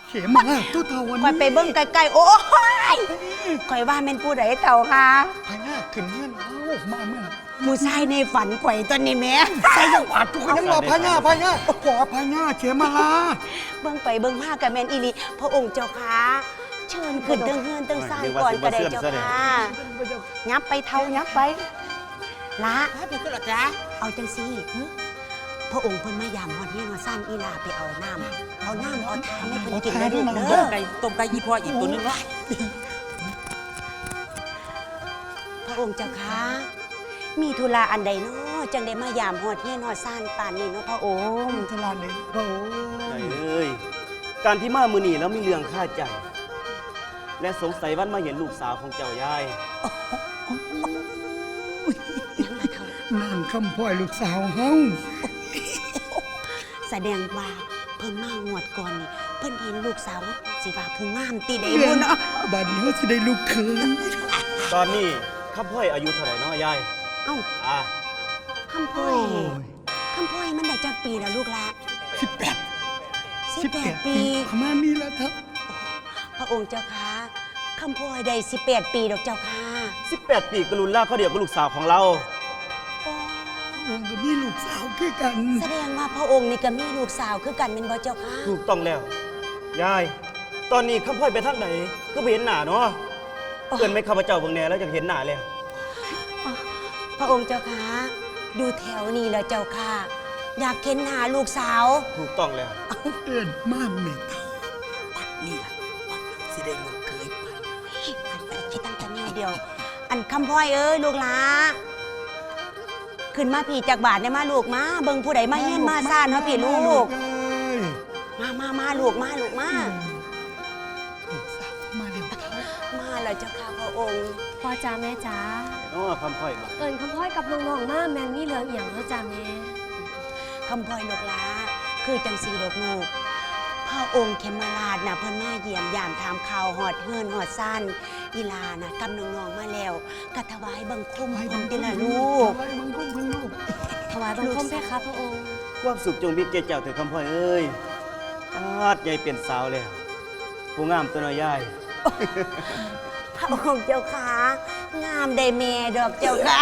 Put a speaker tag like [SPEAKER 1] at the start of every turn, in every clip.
[SPEAKER 1] เขมาตัวเท่าวันนี้
[SPEAKER 2] คอยไปเบิ่งไกลๆโอ้ยคอยว่าเป็นผู้ใดเต่าค่ะ
[SPEAKER 1] พญาขึ้นเงื่อนเอามาเมื่อ
[SPEAKER 2] มูชายในฝันข่อยตอนนี้แม่
[SPEAKER 1] ใส่ยังหวาดทุกคนยังบอกพญาขอพญาเขมาลา
[SPEAKER 2] เบิ่งไปเบิ่งมากับแมนอีลีพระองค์เจ้าค่ะเชิญขึ้นเตื้องสร้างก่อนก็ได้เจ้าค่ะยับไปเท่ายับไปละ
[SPEAKER 3] เป็นก็หรอจ๊ะ
[SPEAKER 2] เอาจังซี่พระองค์เพิ่นมายามฮอดเฮียนว่าซ่านอีลาไปเอาน้ำเอาทานให้เพิ่นกินได้ลูกเด้อ
[SPEAKER 3] ไก่ต้มไก่ยี่พ่ออีกตัวนึงวะ
[SPEAKER 2] พระองค์เจ้าค่ะมีธุระอันใดเนาะจังได้มายามฮอดเฮียนฮอดซ่านป่านนี้เนาะพระองค์
[SPEAKER 1] ธุระใดพระองค์
[SPEAKER 4] ใช่เลยการที่มามื้อนี้แล้วมีเรื่องข้าใจและสงสัยวันมาเห็นลูกสาวของเจ้ายาย
[SPEAKER 1] นั่นคำพ่อยลูกสาวเฮา
[SPEAKER 2] แสดงว่าเพิ่นมาหวดก่อนนี่เพิ่นเห็นลูกสาวสิว่าผู้งามตีได้บุญเนาะ
[SPEAKER 1] บัดนี้เขาสิได้ลูกเขย
[SPEAKER 4] ตอนนี้ข้าพ่อยอายุเท่าไหร่เนาะยาย
[SPEAKER 2] เอ้าคำพ่อยมันได้จักปีแล้วลูกละ18ปี
[SPEAKER 1] ประมาณนี้แล้วครับ
[SPEAKER 2] พระองค์เจ้าค่ะคำพ่อยได้18ปีดอกเจ้าค่ะ
[SPEAKER 4] 18ปีกรุณล่าเขาเดียวกับลูกสาวของเรา
[SPEAKER 1] องค์ก็มีลูกสาวคือกัน
[SPEAKER 2] แสดงว่าพระองค์นี่ก็มีลูกสาวคือกันเป็นบ่เจ้าค่ะ
[SPEAKER 4] ถูกต้องแล้วยายตอนนี้ข้าพ่อยไปทางไหนก็ไปเห็นหน้าเนาะเกินไม่ข้าพเจ้าเบิ่งแน่แล้วจะเห็นหน้าแล้ว
[SPEAKER 2] พระองค์เจ้าค่ะดูแถวนี้แล้วเจ้าค่ะอยากเห็นหน้าลูกสาว
[SPEAKER 4] ถูกต้องแล้ว
[SPEAKER 1] เอิ้นมาแม่เฒ่าปัดนี่ล่ะปัดสิได้ลูกเขย
[SPEAKER 2] ไปคิดตั้งแต่แนวเดียวอันคำพ่อยเอ้ยลูกหลาขึ้นมาพี่จากบาทเนี่ยมาลูกมาเบิ่งผู้ใดมาเฮียนมาซ่านเนาะพี่ลูกมาลูกมา
[SPEAKER 1] ลูกสาวมาเดี๋ยว
[SPEAKER 2] มาแล้วเจ้าค่ะพระองค์
[SPEAKER 5] พ่อจ้าแม่จ้า
[SPEAKER 4] คำพ่อย
[SPEAKER 5] เอิญคำพ่อยกับน้องๆมาแมนนี่เหลืองเอี่ยงแล้วจ้าแม่
[SPEAKER 2] คำพ่อยลูกหลาคือจังสีดอกลูกพระองค์เขมราชน่ะเพิ่นมาเยี่ยมยามถามข่าวหอดเฮือนหอดซ่านอีลาน่ะกำน้องๆมาแล้วกะถวายบังคมเพิ่นติล่ะลูก
[SPEAKER 1] ถวายบังคมเพิ่นลูก
[SPEAKER 5] ถวายบังคมเพคะพระองค์
[SPEAKER 4] ความสุขจงมีแก่เจ้าเถิดคำพ่อยเอ้ยอาดใหญ่เปลี่ยนสาวแล้วผู้งามตัวน้อยยาย
[SPEAKER 2] พระองค์เจ้าขางามได้แม่ดอกเจ้าค่ะ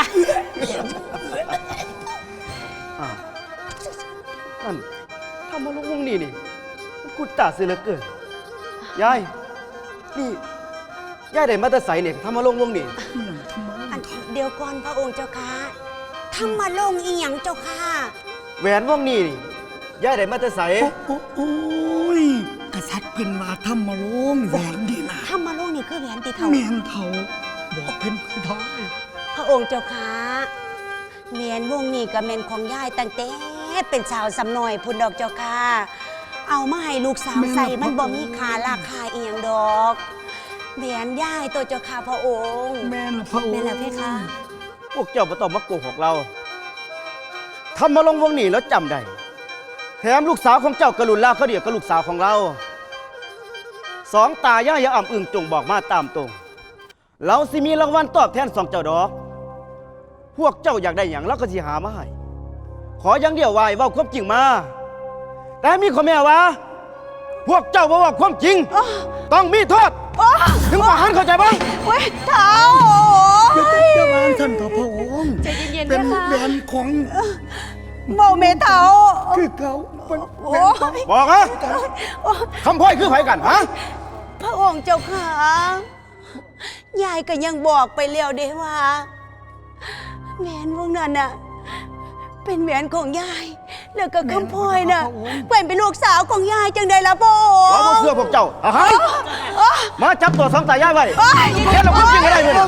[SPEAKER 4] นั่นทำมาลงวงนี่กูตาเสือเหลือเกินยายนี่ยายได้มาแต่ใสเนี่ยทำมาลงวงนี่
[SPEAKER 2] เดี๋ยวก่อนพระองค์เจ้าค่ะทำมาลงอีหยังเจ้าค่ะ
[SPEAKER 4] แหวนวงนี่ยายได้มาแต่ใส
[SPEAKER 1] โอ้ยกษัตริย์เพิ่นว่าทำมาลงแหวนดีนะ
[SPEAKER 2] ทำมาลงนี่คือแหวนตีเท่า
[SPEAKER 1] แม่นเท่าบอกเพิ่นท้อย
[SPEAKER 2] พระองค์เจ้าค่ะแหวนวงนี่ก็แม่นของยายตั้งแต่เป็นสาวสำน้อยพุ่นดอกเจ้าค่ะเอามาให้ลูกสาวใส่มันบ่มีค่าราคาเอียงดอกแหวนย่ายตัวเจ้าค่ะพระองค์
[SPEAKER 1] แม่ละพระองค์
[SPEAKER 5] แม่ละเพคะ
[SPEAKER 4] พวกเจ้าบ่ต้องมาโกหกเราทำมาลงวงนี้แล้วจำได้แถมลูกสาวของเจ้ากรุณลาเขาเดียวกับลูกสาวของเราสองตาย่าอย่าอ่ำอึ่งจงบอกมาตามตรงเราสิมีรางวัลตอบแทนสองเจ้าดอกพวกเจ้าอยากได้อย่างเราก็สิหามาให้ขออย่างเดียวไว้ว่าความจริงมาแต่มีข้อแม้ว่าพวกเจ้าบอกว่าความจริงต้องมีโทษถึงประหารเข้าใจบ้าง
[SPEAKER 2] เว้ยเท้า
[SPEAKER 1] เจ้าบ้านท่านพระองค์
[SPEAKER 5] ใจเย็นๆ
[SPEAKER 1] เป็น
[SPEAKER 5] นะคะ
[SPEAKER 1] แหวนของ
[SPEAKER 2] โมเมเท้า
[SPEAKER 1] คือเขา
[SPEAKER 4] บอกนะคำพ่อยคือไผกันฮะ
[SPEAKER 2] พระองค์เจ้าค่ะยายก็ยังบอกไปแล้วเด้ว่าแหวนวงนั้นน่ะเป็นแหวนของยายแล้วก็คำพ่อยน่ะเป็นลูกสาวของยายจังใดล่ะพ่อ
[SPEAKER 4] เราเชื่อพวกเจ้ามาจับตัวสองตายายไว้แค่เราพูดจริงอะไรเลย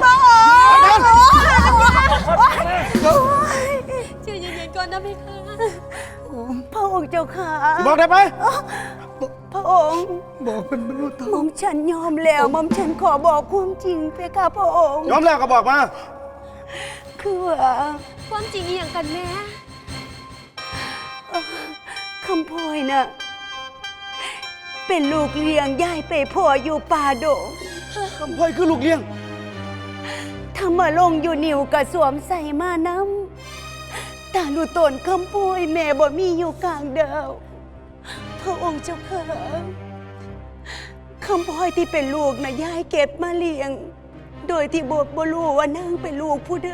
[SPEAKER 5] ใจเย็นๆก่อนนะพี่ค่ะ
[SPEAKER 2] พระองค์เจ้าค่ะ
[SPEAKER 4] บอกได้ไหม
[SPEAKER 2] พระองค์
[SPEAKER 1] บอกเป็นมนุษย์
[SPEAKER 2] หม่อมฉันยอมแล้วหม่อมฉันขอบอกความจริงเพคะพระองค์
[SPEAKER 4] ยอมแล้วก็บอกมา
[SPEAKER 2] คือว่า
[SPEAKER 5] ความจริงอย่างกันแม่
[SPEAKER 2] คำพลอยน่ะเป็นลูกเลี้ยงย่ายไปพ่ออยู่ป่าดง
[SPEAKER 4] คำพลอยคือลูกเลี้ยง
[SPEAKER 2] ถ้ามาลงอยู่นิ่วกระสวมใส่มาน้ำตาลูตนคำพลอยแม่บ่มีอยู่กลางเดาพระองค์เจ้าค่ะคำพลอยที่เป็นลูกนะยายเก็บมาเลี้ยง โดยที่บ่รู้ว่านางเป็นลูกผู้ใด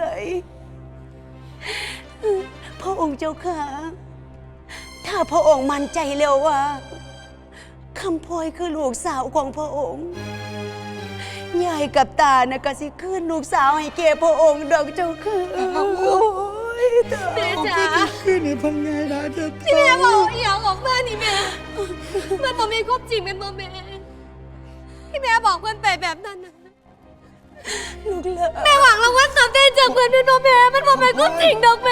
[SPEAKER 2] พระองค์เจ้าค่ะ ถ้าพระองค์มั่นใจแล้วว่าคำพลอยคือลูกสาวของพระองค์ยายกับตานะก็สิคืนลูกสาวให้แก่พระองค์ดอกเจ้าค่ะโอ้ยตา
[SPEAKER 5] แม่จ๋า
[SPEAKER 1] ขึ้นนี่พังไงนะเจ้า
[SPEAKER 5] ที่แม่บอกอหย่างออกมานี่แม่มันบ่มีความจริงเป็นบ่แม่ที่แม่บอกเพื่อนไปแบบนั้นน่ะ
[SPEAKER 2] ลูกเลิศ
[SPEAKER 5] แม่หวังรางวัลตอบแทนจากเพื่อนเป็นบ่แม่มันบ่เป็นความจริงดอกแม่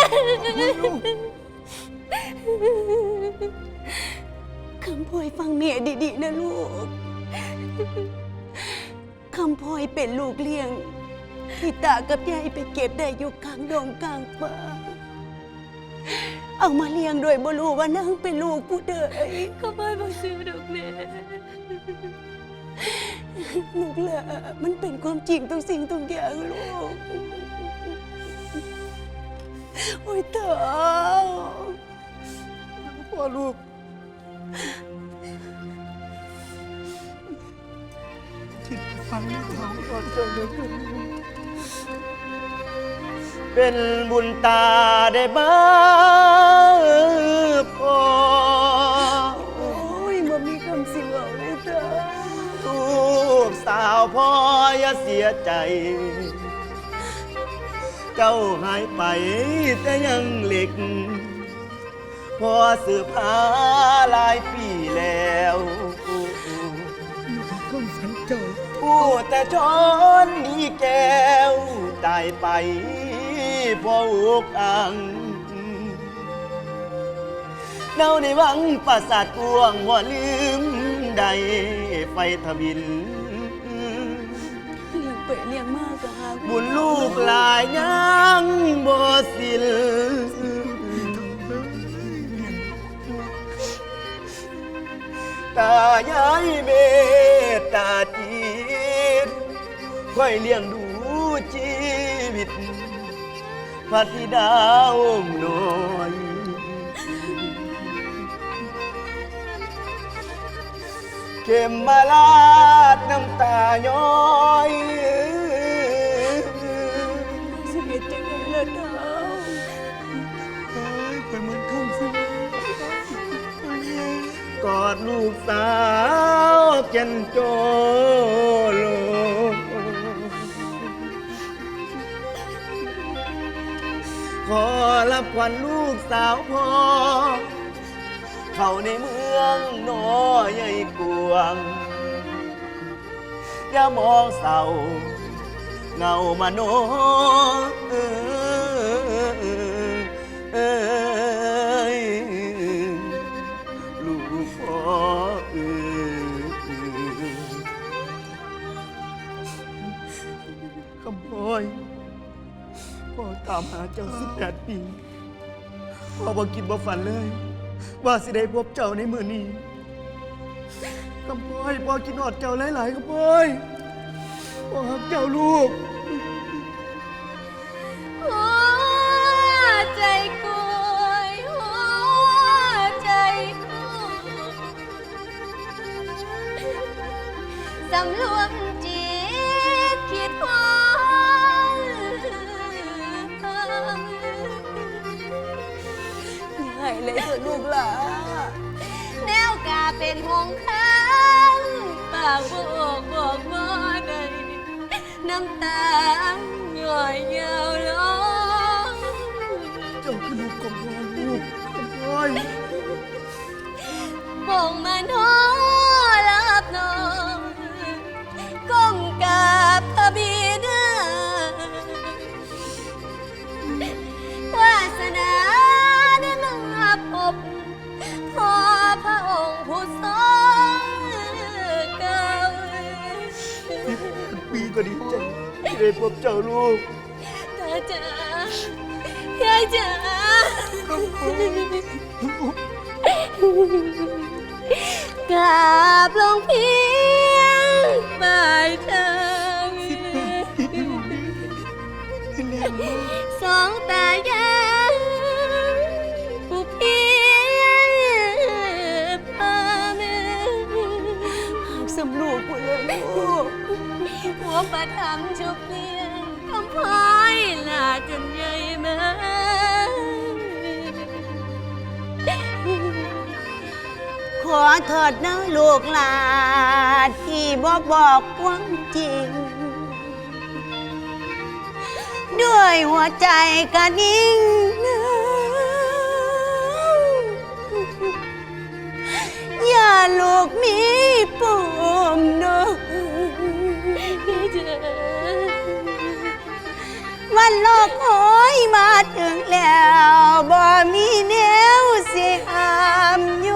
[SPEAKER 2] คำพลอยฟังเมียดีๆนะลูกคำพลอยเป็นลูกเลี้ยงที่ตากับยายไปเก็บได้อยู่กลางดงกลางป่าเอามาเลี้ยงโดยบ่รู้ว่านางเป็นลูกผู้ใด
[SPEAKER 5] ก็ไม่บอกชื่อดอกแม่
[SPEAKER 2] ลูกเลิศมันเป็นความจริงทุกสิ่งทุกอย่างลูกโอ้ยตา
[SPEAKER 1] พ่อลูกคิดฟังไม่ท้องก่อนเจ้าเด็ก
[SPEAKER 4] เป็นบุญตาได้บ้าพอ
[SPEAKER 2] โอ้ยบ่มีคำสิเว้าเลยตา
[SPEAKER 4] ลูกสาวพ่ออย่าเสียใจ เจ้าหายไปแต่ยังเล็ก พอสืบหาหลายปีแล้ว
[SPEAKER 1] ก้มฝันเจ้า
[SPEAKER 4] พูดแต่ช้อนมีแก้วตายไปพออุกอังเน่าในวังปราสาทกวงว่าลืมใดไฟทวิน
[SPEAKER 2] เลี้ยงไปเลี้ยงมากก็หา
[SPEAKER 4] บุญลูกหลายยังบ่สิ้นตายายเมตตาจิตค่อยเลี้ยงดูชีวิตพระธิดาองค์น้อยเข็มมาลาดน้ำตาย้อย
[SPEAKER 2] สิเฮ็ดจังได๋ล่ะตา
[SPEAKER 1] เฮ้ยไปมันข้ามสิ
[SPEAKER 4] กอดลูกสาวเจนโจโลขอรับขวัญลูกสาวพ่อ เข้าในเมืองน้อยใหญ่กวง อย่ามองเศร้าเงามาโนลูกพ่อคำพ่อยพ่อตามหาเจ้า18 ปีพ่อบ่คิดบ่ฝันเลย ว่าสิได้พบเจ้าในมื้อนี้คำพ่อยพ่อคิดฮอดเจ้าหลายๆคำพ่อยพ่อรักเจ้าลูก
[SPEAKER 5] หัวใจกุยหัวใจกุยสำรวมจิตคิดหวัง
[SPEAKER 2] ใหญ่เลยเถอะลูกหลา
[SPEAKER 5] แนวกาเป็นหงข้างปากบอกบ่ได้น้ำตาย่อยยาวลง
[SPEAKER 1] เจ้าคือลูกของพ่อลูกของพ่อย
[SPEAKER 5] บ่งมาโนรับน้องก้มกราบพระบิดาวาสนาได้มาพบพ่อพระองค์ผู้ทรงเก่า
[SPEAKER 4] ปีก็ดีใจที่ได้พบเจ้าลูก
[SPEAKER 5] ตาจ๋ายายจ๋ากราบลงเพียงปลายเท้าสองตายายผู้เพียงพาแม่
[SPEAKER 2] หากสำลูกกูเลยลูก
[SPEAKER 5] หัวประทำชุบเลี้ยงคำพายลาจนใหญ่มา
[SPEAKER 2] ขอโทษนะลูกหลานที่บ่บอกความจริง ด้วยหัวใจกะนิ่งนะอย่าลูกมีปมเนาะวันโลกโหยมาถึงแล้วบ่มีแนวสิห้ามอยู่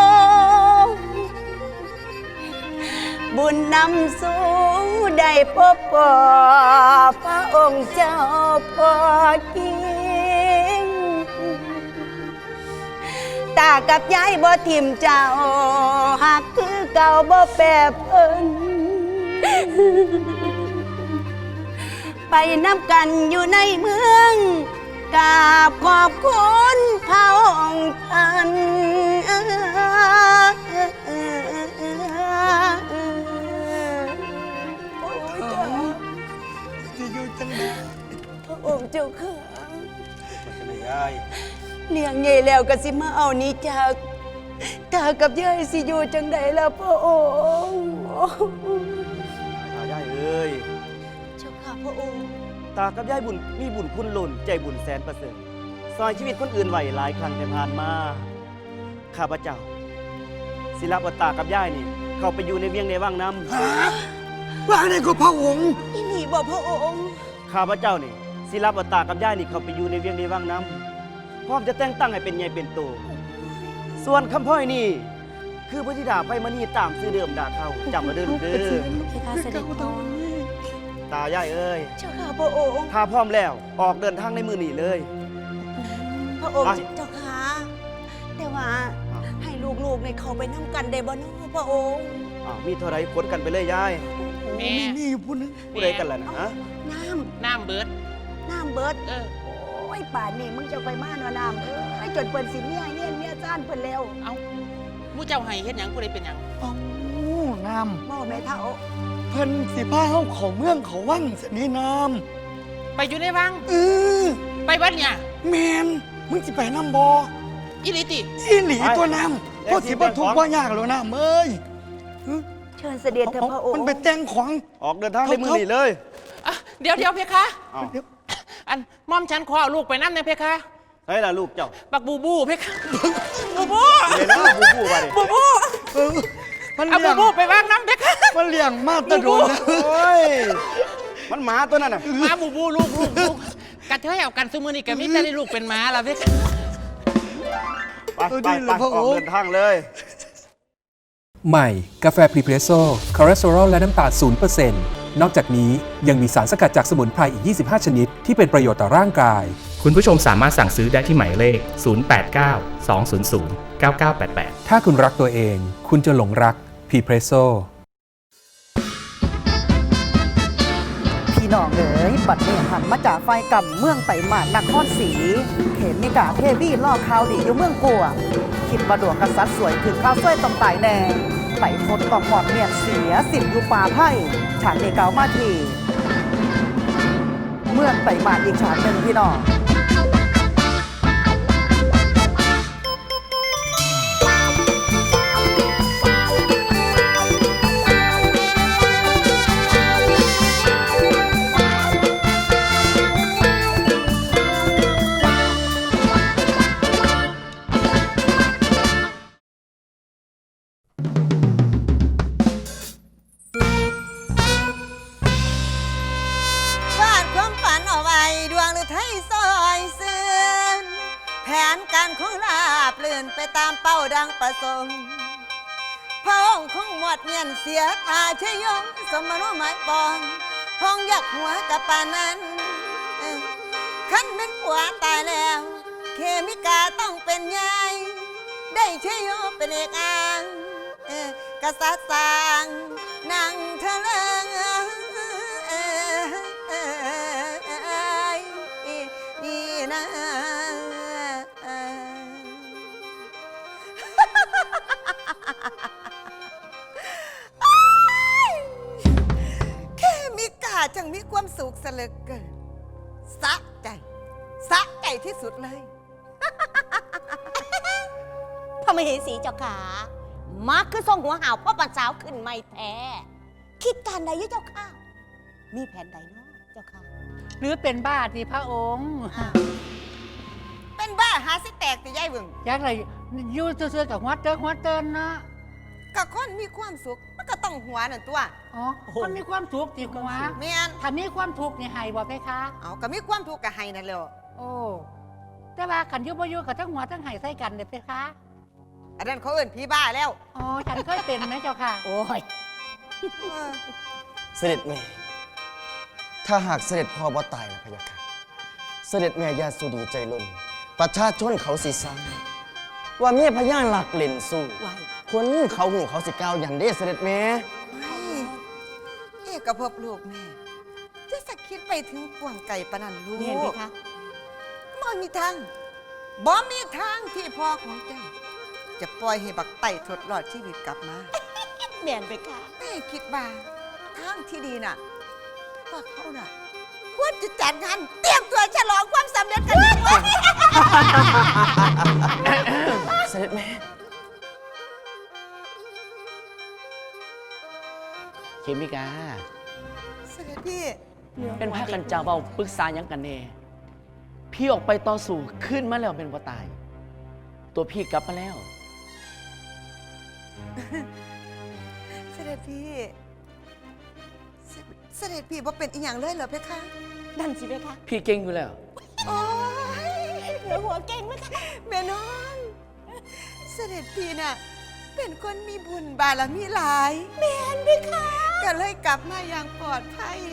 [SPEAKER 2] บุญนำสู่ได้พบพ่อพระองค์เจ้าพ่อกิงตากับยายบ่ทิมเจ้าหักคือเก่าบ่แปรเพิ่นไปนำกันอยู่ในเมืองกราบขอบคุณพระองค์ท่าน
[SPEAKER 1] จะอยู่จังได๋
[SPEAKER 2] พระองค์เจ้าค่ะ
[SPEAKER 4] มันจะไม่ยาย
[SPEAKER 2] เลี้ยงใหญ่แล้วก็สิมาเอานี้จากตากับยายสิอยู่จังใดล่ะพระองค์
[SPEAKER 4] ตายายเอ้ย
[SPEAKER 2] เจ้าค่ะพระองค์
[SPEAKER 4] ตากับยายบุญมีบุญคุณหล่นใจบุญแสนประเสริฐซอยชีวิตคนอื่นไหวหลายครั้งแต่ผ่านมาข้าพเจ้าศิลปตากับยายนี่เข้าไปอยู่ในเวียงในว่างน้
[SPEAKER 1] ฮะว่าได้ก็พระองค์
[SPEAKER 2] อีนี่บอกพระองค์
[SPEAKER 4] ำข้าพเจ้านี่ศิลปตากับยายนี่เข้าไปอยู่ในเวียงในว่างน้ำพร้อมจะแต่งตั้งให้เป็นใหญ่เป็นโตส่วนคำพ่อยนี่คือพระธิดาไพมณีตามซื้อเดิมดาเขาจำมาเด้อลูกเด้อ
[SPEAKER 5] เพคะเสด็จพ่อ
[SPEAKER 4] ตายายเอ้ย
[SPEAKER 2] เจ้าค่ะพระองค์
[SPEAKER 4] ถ้าพร้อมแล้วออกเดินทางในมือนี่เลย
[SPEAKER 2] พระองค์
[SPEAKER 4] ไป
[SPEAKER 2] เจ้าค่ะแต่ว่า
[SPEAKER 4] อ้าว
[SPEAKER 2] ให้ลูกๆในเขาไปนั่งกันได้บ่เนาะพระองค์
[SPEAKER 4] อ้าวมีเท่าไรขนกันไปเลยยาย
[SPEAKER 3] แม่
[SPEAKER 1] มีอยู่ผู้หนึง
[SPEAKER 4] ผู้ใดกันล่ะนะฮะ
[SPEAKER 2] น้
[SPEAKER 3] น้ำเบิด
[SPEAKER 2] ำน้ำเบิด
[SPEAKER 3] เออ
[SPEAKER 2] โอ้ยป่านนี้มึงจะไปมาเนาะน้ำจนเปิ้นสิเมียเงี้ยเมียจ้านเปิ้นแล้ว
[SPEAKER 3] เอามู้เจ้าให้เฮ็ดหยังผู้ใดเป็นหยัง
[SPEAKER 1] เอ้าน้
[SPEAKER 2] บ่แม่เฒ่า
[SPEAKER 1] ำเพิ่นสิพาเฮาเข้าเมืองเขาวังซะนี่น้
[SPEAKER 3] ไปอยู่ในวัง
[SPEAKER 1] ำ
[SPEAKER 3] ไปวัดเนี่ย
[SPEAKER 1] แม่นมึงสิไปนำบ่
[SPEAKER 3] อีหลิติ
[SPEAKER 1] อีหลีตัวน้ำบ่สิบ่ทุกข์บ่ยากแล้วน้ำเอ้ย
[SPEAKER 2] เชิญเสด็จเถอะพระองค์
[SPEAKER 1] มันไปแต่งของ
[SPEAKER 4] ออกเดินทางในมือนี่เลย
[SPEAKER 3] อ่ะเดี๋ยวเพคะ
[SPEAKER 4] อ้าว
[SPEAKER 3] อันม่อมฉันขอเอาลูกไปน้ำในเพคะ
[SPEAKER 4] ใช่ล่ะลูกเจ้า
[SPEAKER 3] บักบูบูเพคะบูบู
[SPEAKER 4] เดี๋ยวนะบูบูไปดิ
[SPEAKER 3] บูบู
[SPEAKER 1] เออมัน
[SPEAKER 3] เอา
[SPEAKER 1] เลี้
[SPEAKER 3] บู
[SPEAKER 1] ยง
[SPEAKER 3] บูไปวางน้ำเพคะ
[SPEAKER 1] มันเลี้ยงมาแตะโดนแล้ว
[SPEAKER 4] โอ้ยมันหมาตัวนั้นน่ะ
[SPEAKER 3] มาบูบูลูกกระเทยเอากันซุมือนี่ก็มีแต่ได้ลูกเป็นหม้าละเพคะ
[SPEAKER 4] ไปไปไปออกเดินทางเลย
[SPEAKER 6] ใหม่ กาแฟพรีเพรสโซ่คอเลสเตอรอลและน้ำตาล0%นอกจากนี้ยังมีสารสกัดจากสมุนไพรอีก 25 ชนิด ที่เป็นประโยชน์ต่อร่างกาย
[SPEAKER 7] คุณผู้ชมสามารถสั่งซื้อได้ที่หมายเลข 089 200 9988
[SPEAKER 6] ถ้าคุณรักตัวเอง คุณจะหลงรักพรีเพรสโซ่
[SPEAKER 8] พี่น้องเอ๋ยบัดนี้หันมาจากไฟกำเมืองไต่หมานนครศรีเข็มนิกาเทวีล่อข่าวดีอยู่เมืองกัวคิดว่าดวงกษัตริย์สวยถึงข้าวสวยต้องตายแน่ไต่ทนต้องหมอดเมียนเสียสิบอยู่ป่าไผ่ฉากเดเกามาทีเมืองไต่หมานอีกฉากหนึ่งพี่น้อง
[SPEAKER 2] วาดความฝันเอาไว้ดวงหรือไทยซอยซื่นแผนการของลาบเลื่อนไปตามเป้าดังประสงค์พระองค์คงหมดเงียนเสียตาชยงสมโนหมายปองห้องยักหัวกับปานนั้นขันเป็นผัวตายแล้ว เคมิกาต้องเป็นยายได้ชยโยเป็นเอกอางกษัตริย์สร้างนางเทะเลงนี่นะ
[SPEAKER 1] จังมีความสุขเสยเหลือเกินสะใจที่สุดเลย
[SPEAKER 2] พระมเหสีเจ้าขามาคือทรงหัวหาวพ่อปันสาวขึ้นไม่แท้คิดการใดอยู่เจ้าค่ะ มีแผนใดเนาะเจ้าค่ะ
[SPEAKER 3] หรือเป็นบ้าที่พระองค์
[SPEAKER 1] เป็นบ้าหาสิแตกติยายเบิ่ง
[SPEAKER 3] อยากอะไรอยู่เซื่อๆกับหัวเตินเนาะ
[SPEAKER 1] ก็คนมีความสุขมันก็ต้องหัวนั่นตัว
[SPEAKER 3] อ๋อมันมีความทุกข์ที่หัว
[SPEAKER 1] แม่น
[SPEAKER 3] ถ้ามีความทุกข์นี่ให้บ่เพคะ
[SPEAKER 1] เอาก็มีความทุกข์ก็ให้นั่นแหละ
[SPEAKER 3] โอ้แต่ว่าขันอยุบอยู่กับทั้งหัวทั้งไห้ใส่กันเด้อเพคะ
[SPEAKER 1] อันนั้นเขาเอิ้นพี่บ้าแล้ว
[SPEAKER 3] อ๋อฉันเคยเป็นนะเจ้าค่ะ
[SPEAKER 2] โอ้ย
[SPEAKER 9] เสด็จแม่ ถ้าหากเสด็จพ่อบ่ตายนะพะยะค่ะเสด็จแม่ญาสุดีใจล้นประชาชนเขาสิซ้ำว่าเมียพญาหลักเล่นสู้
[SPEAKER 2] ไหว
[SPEAKER 9] คนเขาหูเขาสิก้าวอย่างเด้เสด็จแม่
[SPEAKER 1] เอกภพลูกแม่จะสักคิดไปถึงกวางไก่ปานนันลูก
[SPEAKER 2] เมียนเพคะ
[SPEAKER 1] บ่มีทางบ่มีทางที่พ่อของเจ้า จะปล่อยให้บักไต่ทดรอดชีวิตกลับมา
[SPEAKER 2] เมียนเพคะ
[SPEAKER 1] แม่คิดว่าทางที่ดีน่ะว่าเขาน่ะควรจะจัดงานเตรียมตัวฉลองความสำเร็จกันเลย
[SPEAKER 9] เสด็จแม่
[SPEAKER 10] เคมิกา
[SPEAKER 1] เสด็จพี่
[SPEAKER 10] เป็นพากันเจ้าเบาปรึกษาหยังกันแน่พี่ออกไปต่อสู้ขึ้นมาแล้วเป็นบ่ตาย ตัวพี่กลับมาแล้ว
[SPEAKER 1] เสด็จพี่เสด็จพี่ว่าเป็นอีหยังเลยเหรอเพคะ
[SPEAKER 2] นั่นสิเพคะ
[SPEAKER 10] พี่เก่งอยู่แล้ว
[SPEAKER 1] โอ้ย
[SPEAKER 2] เหลือหัวเก่งไหมคะ
[SPEAKER 1] แม่น้องเสด็จพี่น่ะเป็นคนมีบุญบารมีหลายแม่นไหมคะก็เลยกลับมาอย่างปลอดภัย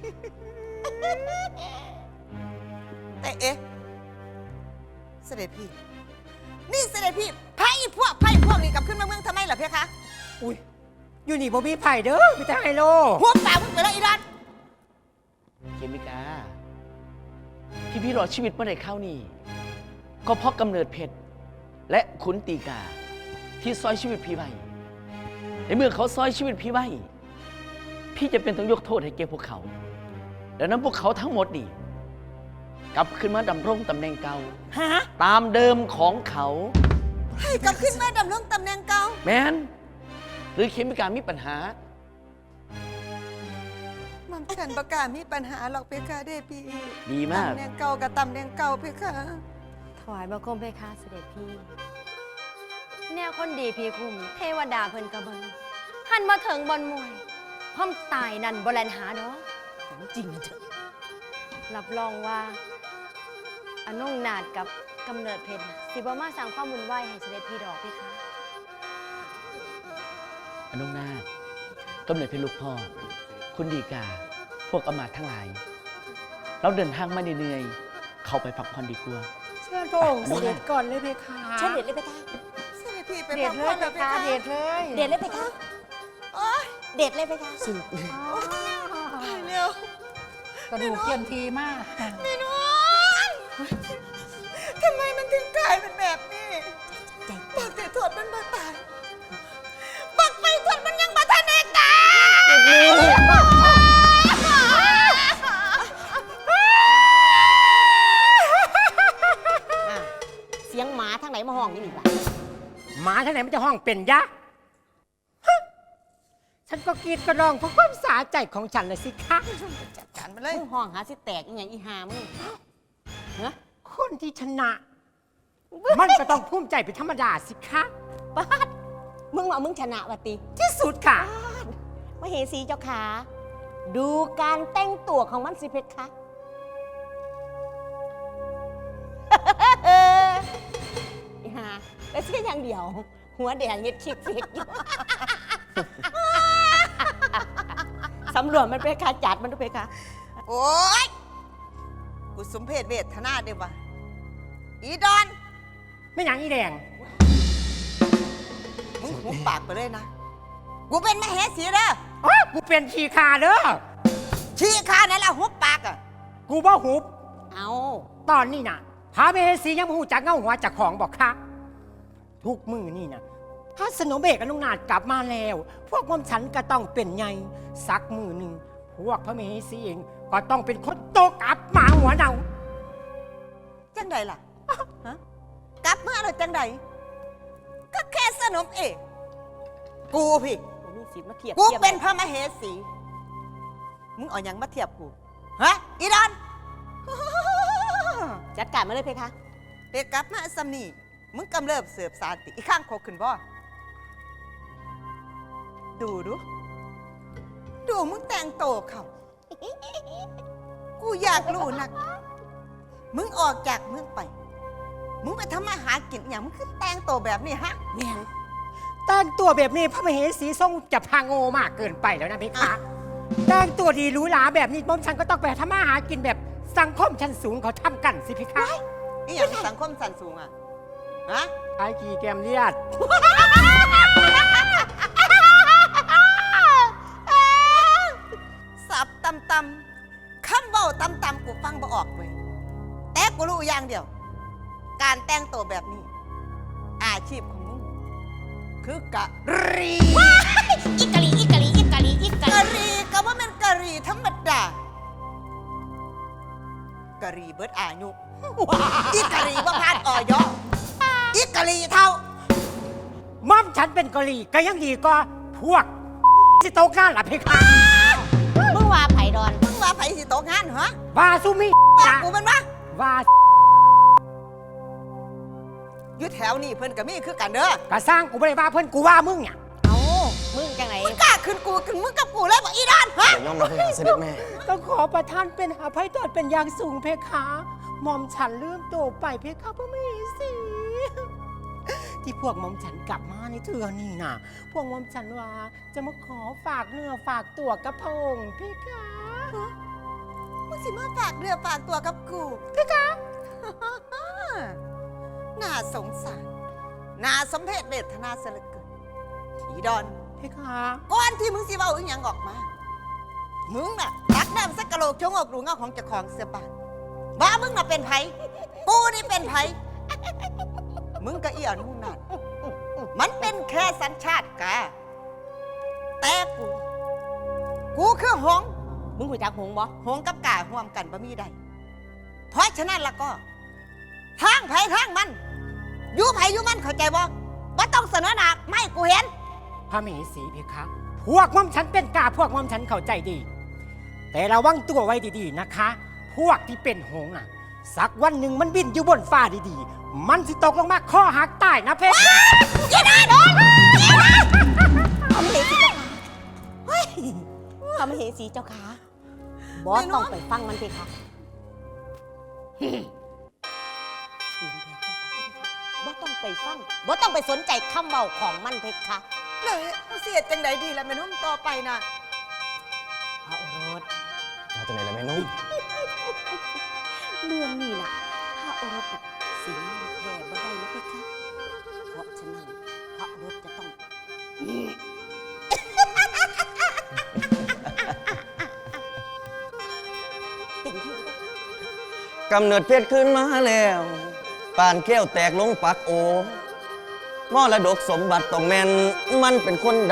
[SPEAKER 1] แต่เอ๊ะเสด็จพี่นี่เสด็จพี่ไพ่พวกนี้กลับขึ้นมาเมืองทำไมล่ะเพคะ
[SPEAKER 3] อุ้ยอยู่นี่บ่มีไผ่เด้อมีแต่ไฮโล
[SPEAKER 1] หัวป่ามึงไปแล้วอีรัน
[SPEAKER 10] เคมิกา ที่พี่รอดชีวิตมาได้เข้านี่ก็เพราะกำเนิดเพชรและขุนตีกา ที่ซอยชีวิตพี่ไว้ในเมื่อเขาซอยชีวิตพี่ไว้พี่จะเป็นต้องยกโทษให้แกพวกเขาดังนั้นพวกเขาทั้งหมดนี่กลับขึ้นมาดำรงตำแหน่งเก่า
[SPEAKER 2] ฮะ
[SPEAKER 10] ตามเดิมของเขา
[SPEAKER 1] ให้กลับขึ้นมาดำรงตำแหน่งเก่า
[SPEAKER 10] แมนหรือเคมิกามีปัญหา
[SPEAKER 1] มันฉันประกล้ามีปัญหาหรอกเพคะเด้พี่
[SPEAKER 10] ดีมาก
[SPEAKER 1] ตำแหน่งเก่ากับตำแหน่งเก่าเพคะ
[SPEAKER 5] ถวายบังคมเพคะเสด็จพี่ แนวคนดีพี่คุมเทวดาเพิ่นกระเบิงหันมาถึงบอนมวยพร้อมตายนั่นบ่แลนหาดอก
[SPEAKER 2] จริงเถอะ
[SPEAKER 5] รับรองว่าอนงนาดกับกำเนิดเพชรสิบ่มาสร้างความวุ่นวายให้เสด็จพี่ดอกเพคะ
[SPEAKER 10] อนุนาถกำเนิดเป็นลูกพ่อ คุณดีกา พวกอำมาตย์ทั้งหลาย เราเดินทางมาเหนื่อยๆเข้าไปพักผ่อนดีกว่า
[SPEAKER 3] เชิญพระองค์เสด็จก่อนเลยเพคะ
[SPEAKER 2] เชิญเด็ดเลยเพคะ
[SPEAKER 1] เสด็จพี่ไป
[SPEAKER 3] เด็
[SPEAKER 1] พั
[SPEAKER 3] ด
[SPEAKER 1] ก
[SPEAKER 3] เล
[SPEAKER 1] ผ่อย น
[SPEAKER 3] เพ
[SPEAKER 1] แล้วเพ
[SPEAKER 3] คะ
[SPEAKER 1] คะ
[SPEAKER 3] เด็ดเลย
[SPEAKER 2] เด็ดเลยเพคะ
[SPEAKER 1] โอ๊ย
[SPEAKER 2] เด็ดเลยเพคะ
[SPEAKER 1] ตายเร็ว
[SPEAKER 3] กระดูกเทียมทีมาก
[SPEAKER 1] แม่นวลทำไมมันถึงกลายเป็นแบบนี้
[SPEAKER 2] ใจ
[SPEAKER 1] บักแต่ถอดมันมาตายบักไปถอดมันยังมาทันเอกตาย
[SPEAKER 2] เสียงหมาทางไหนมาห้องอยู่นี่ล่ะ
[SPEAKER 3] หมาที่ไหนมันจะห้องเป็นยะฮะฉันก็กรีดกระรองเพราะความสาใจของฉันเลยสิคะ
[SPEAKER 1] จัดการมาเลย
[SPEAKER 2] มึงห้องหาสิแตกอหย่างอีหามึงฮะ
[SPEAKER 3] คนที่ชนะ มันก็ต้องภูมิใจเป็นธรรมดาสิคะ
[SPEAKER 2] ป้าดมึงว่ามึงชนะวะติ
[SPEAKER 3] ที่สุดค่ะ
[SPEAKER 2] มเหสีเจ้าขาดูการแต่งตัวของมันสิเพคะ อีหาแล้วเช่อย่างเดียว หัวแดงเฮ็ดคิกเฟกอยู่ สำรวจมันเพคะจัดมันด้วยเพคะ
[SPEAKER 1] โอ๊ยกูสมเพศเวทนาเด้วะอีดอน
[SPEAKER 3] ไม่หยังอีแดง
[SPEAKER 1] มึงหุบปากไปเลยนะ กูเป็นมเหสีเด้อ
[SPEAKER 3] อ๋อกูเป็นขี้ขาเด้อ
[SPEAKER 1] ชี้ข้านั่นแหละหุบปากอ่ะ
[SPEAKER 3] กูบ่หุบ
[SPEAKER 2] เอา
[SPEAKER 3] ตอนนี้น่ะพาเมสียังบ่หูจักเงาหัวจากของบอกค่ะ ทุกมือนี่นะพระสนมเบกอนุนาถกลับมาแล้ว พวกมอมฉันก็ต้องเป็นไงสักมือหนึ่งพวกพระมเหสีเองก็ต้องเป็นคนโตกอับหมาหัวเน่า
[SPEAKER 1] จังใดล่ะฮะกลับมาแล้วจังใดก็แค่สนมเอกกูพี่
[SPEAKER 2] มีสิทธิ์มาเทียบ
[SPEAKER 1] กู
[SPEAKER 2] ทียบ
[SPEAKER 1] เป็นพระมเหสี มึงเอาหยังมาเทียบกู ฮะ อีดอน
[SPEAKER 2] จัดการมาเลยเพคะ
[SPEAKER 1] เด็กกลับมาสำนีมึงกำเริบเสือบสารติอีข้างโคกขึ้นบ่ดูมึงแต่งโตเขากูอยากรู้นัก มึงออกจากเมืองไป มึงไปทำมาหากินอย่างมึงคือแต่งโตแบบนี้ฮะ
[SPEAKER 2] แม่น
[SPEAKER 3] แต่งตัวแบบนี้พระมเหสีทรงจะพาโง่มากเกินไปแล้วนะเพคะแต่งตัวดีหรูหราแบบนี้หม่อมฉันก็ต้องไปทำมาหากินแบบสังคมชั้นสูงเขาทำกันสิเพคะ
[SPEAKER 1] นี่อย่างสังคมสันสูงอ่ะ ฮะ
[SPEAKER 3] ไอ้กี่แกมเลียด
[SPEAKER 1] สับตำคำเบาตำกูฟังบ่ออกเว้ยแต่กูรู้อย่างเดียว การแต่งตัวแบบนี้ อาชีพของมึง คือกะรี
[SPEAKER 5] อีกะลีอีกะลีอีกะลีอีกะ
[SPEAKER 1] กะ
[SPEAKER 5] ลี
[SPEAKER 1] รีก็ว่ามันกะรีธรรมดากะรีเบิดอายุอีกะรีว่าพานออยอีกะรีเท่า
[SPEAKER 3] ม่อมฉันเป็นกะหรี่ก็ยังดีกว่าพวกที่โตกล้าล่ะเพคะ
[SPEAKER 5] มึงว่าไผ่ดอน
[SPEAKER 1] มึงว่าไผสิตกงานเหรอ
[SPEAKER 3] ว่าซุมิ
[SPEAKER 1] ว่ากูมันวะ
[SPEAKER 3] ว่า
[SPEAKER 1] อยู่แถวนี้เพิ่นก็มีคือกันเด้อก
[SPEAKER 3] ะสร้างกูไม่ได้ว่าเพื่อนกูว่ามึงเนี่ย
[SPEAKER 5] เอ้ามึงจังไหน
[SPEAKER 1] มึงกล้าขึ้นกูขึ้นมึงกับกูเลยบอกอีดานฮะ
[SPEAKER 9] เดี๋ยวยอมรับเพคะเสด็จแม่
[SPEAKER 3] ต้องขอประทานเป็นอภัยโทษเป็นอย่างสูงเพคะหม่อมฉันลืมตัวไปเพคะพระมเหสี ที่พวกหม่อมฉันกลับมาในเทือนี่นะพวกหม่อมฉันว่าจะมาขอฝากเนื้อฝากตัวกับพระองค์เพคะ
[SPEAKER 1] มึงสิมาฝากเรือฝากตัวกับกูเพคะ น่าสงสารน่าสมเพชเวทนาเสยเหลือเกินอีดอน
[SPEAKER 3] เพคะ
[SPEAKER 1] ก่อนที่มึงสิเว้าอีหยังออกมา มึงน่ะตักน้ำสักกะโหลกชงอกดูเงาของเจ้าของเสื้อผ้าว่ามึงน่ะเป็นไผกูนี่เป็นไผมึงก็อีอ่อนมึงนั่นมันเป็นแค่สัญชาติกาแต่กูคือหงส์
[SPEAKER 2] มึงหูจักหงบ่
[SPEAKER 1] หงส์กับกาห่วมกันบ่มีใดเพราะฉะนั้นแล้วก็ทางไผทางมันอยู่ไผอยู่มันเข้าใจบ่บ่ต้องเสนอหน้าไม่กูเห็น
[SPEAKER 3] พระมเหสีเพคะพวกหม่อมฉันเป็นกาพวกหม่อมฉันเข้าใจดี แต่ระวังตัวไว้ดีๆนะคะ พวกที่เป็นหงส์น่ะสักวันหนึ่งมันบินอยู่บนฟ้าดีๆมันสิตกลงมาข้อหักตายนะเพคะ
[SPEAKER 1] อย่าด่าโดน
[SPEAKER 2] พระมเหสีเจ้าค่ะเฮ้ยพระมเหสีเจ้าค่ะบอสต้องไปฟังมันเพคะบ่ต้องไปฟังบ่ต้องไปสนใจคำเบาของมันเพคะ
[SPEAKER 1] เลยเสียจังใดดีละแม่นุ่มต่อไปนะ
[SPEAKER 2] พระโอรส
[SPEAKER 9] มาจากไหนล่ะแม่นุ่ม
[SPEAKER 2] เรื่องนี้น่ะพระโอรสน่ะสิงแย่บ่ได้นะเพคะเพราะฉะนั้นพระโอรสจะต้อง เต็มที่
[SPEAKER 9] กำเนิดเพชรขึ้นมาแล้วปานแก้วแตกลงปักโอมรดกสมบัติต้องแม่นมันเป็นคนใด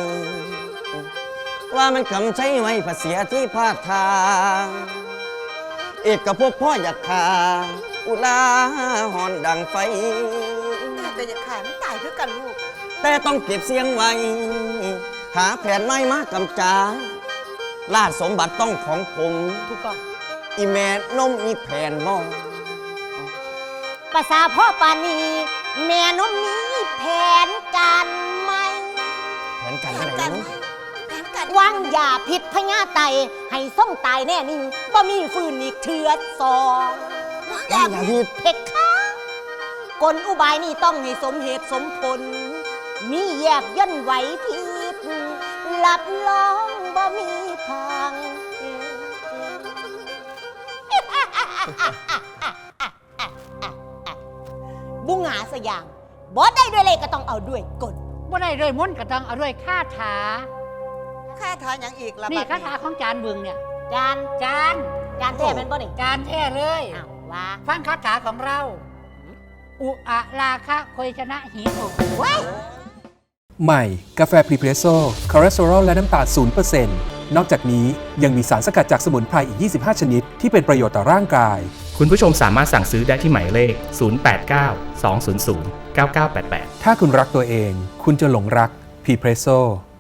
[SPEAKER 9] ว่ามันคำใช้ไว้ภาษีที่พาดทางเอกกับพวกพ่ออยากขาอุลาหอนดังไฟ
[SPEAKER 1] แต่อย่าขายมันตายคือกันลูก
[SPEAKER 9] แต่ต้องเก็บเสียงไว้ หาแผนไม้มากำจาลาดสมบัติต้องของผม
[SPEAKER 2] ถูกต้อง
[SPEAKER 9] อีแม่นมอีแผนมอง
[SPEAKER 5] ภาษาพ่อปานีแม่นมมีแผนการไหม
[SPEAKER 9] แผนการที่ไหนแม่นุ่ม
[SPEAKER 5] วางยาพิษพญาไตให้ส่งตายแน่นิ่งบ่มีฟืนอีกเถือดสอง
[SPEAKER 9] อย่าพิด
[SPEAKER 5] เพชรค่ะกลอุบายนี่ต้องให้สมเหตุสมผล มีแยบย่นไหวพิษหลับล้องบ่มีพัง บุงหาสยามบ่ได้ด้วยเลยก็ต้องเอาด้วยกล
[SPEAKER 11] บ่ได้ด้วยมนต์ก็ต้องเอาด้วยคาถา
[SPEAKER 1] ค่าทานอย่างอีกละ
[SPEAKER 11] นี่
[SPEAKER 1] บัด
[SPEAKER 11] คาถาของจานเบืองเนี่ย
[SPEAKER 5] จาน
[SPEAKER 11] จาน
[SPEAKER 5] แท้เป็นบ่นี่
[SPEAKER 11] จานแท้เลย
[SPEAKER 5] อ้าวว่า
[SPEAKER 11] ฟังคาถาของเรา อุอะราคะโคยชนะหีโอก
[SPEAKER 5] ว้าย
[SPEAKER 6] ใหม่ กาแฟพรีเพรสโซ่คอเลสเตอรอลและน้ำตาล0%นนอกจากนี้ยังมีสารสกัดจากสมุนไพรอีก 25 ชนิดที่เป็นประโยชน์ต่อร่างกาย
[SPEAKER 7] คุณผู้ชมสามารถสั่งซื้อได้ที่หมายเลข 089 200 9988
[SPEAKER 6] ถ้าคุณรักตัวเอง คุณจะหลงรักพรีเพรสโซ่